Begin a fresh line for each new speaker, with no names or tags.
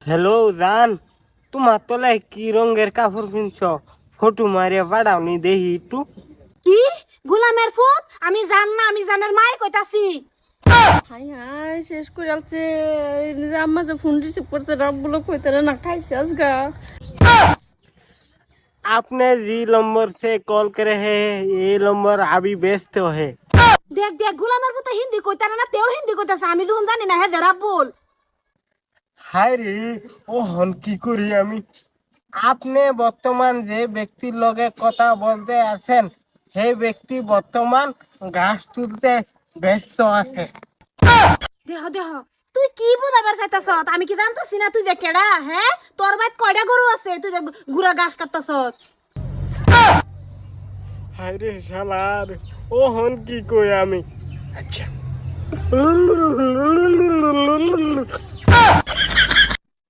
Hello জান, তোমার তলায় কি রঙের কাপড় কিনছ? ফটো মারিয়া পাঠাওনি দেখি একটু।
কি গোলামের ফুট? আমি জান না, আমি জানের মাই কইতাছি।
হাই হাই শেষ করে আলছে আম্মা যে ফোন রিসিভ করছে রাবগুলো কইতে না খাইছে আজগা।
आपने जी नंबर से कॉल करे है, ये नंबर अभी व्यस्त है।
দেখ দেখ গোলামের ফুট হিন্দি কইতারে না, তেও হিন্দি কইতাছে। আমি যখন জানি না হে দেরা বল।
হায় রে, ও হন কি করি আমি? আপনি বর্তমান যে ব্যক্তির লগে কথা বলতে আছেন, সেই ব্যক্তি বর্তমান ঘাস তুলতে ব্যস্ত আছে।
দেহ দেহ তুই কি বুঝাবার চাইতাছ? আমি কি জানতাছি না তুই যে কেডা? হ্যাঁ, তোর বাইত কয়টা গরু আছে তুই যে গুড়া ঘাস কাটতাছ?
হায় রে শালার, ও হন কি কই আমি? আচ্ছা